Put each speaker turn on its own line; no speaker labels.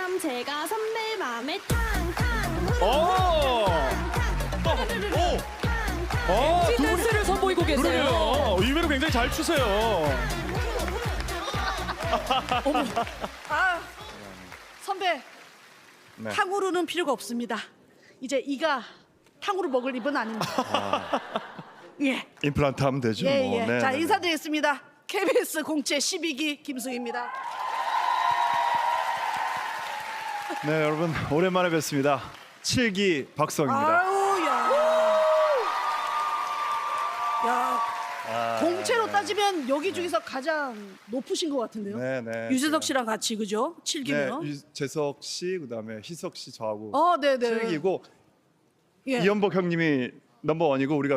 그럼 제가 선배 맘에 탕탕
오!
댄스를 선보이고 계세요.
그러게요. 의외로 굉장히 잘 추세요.
아, 선배,
네.
탕후루는 필요가 없습니다. 이제 이가 탕후루 먹을 입은 아닙니다. 예,
임플란트 하면 되죠.
예,
뭐.
예.
네,
자,
네, 네.
인사드리겠습니다. KBS 공채 12기 김수희입니다.
네, 여러분 오랜만에 뵙습니다. 7기 박성입니다.
아우, 야, 공채로 따지면 여기 중에서 가장 높으신 것 같은데요.
네, 네.
유재석 씨랑 같이 그죠?
네,
7기면.
유재석 씨 그다음에 희석 씨 저하고
네, 네.
7기고
예.
이연복 형님이 넘버원이고 우리가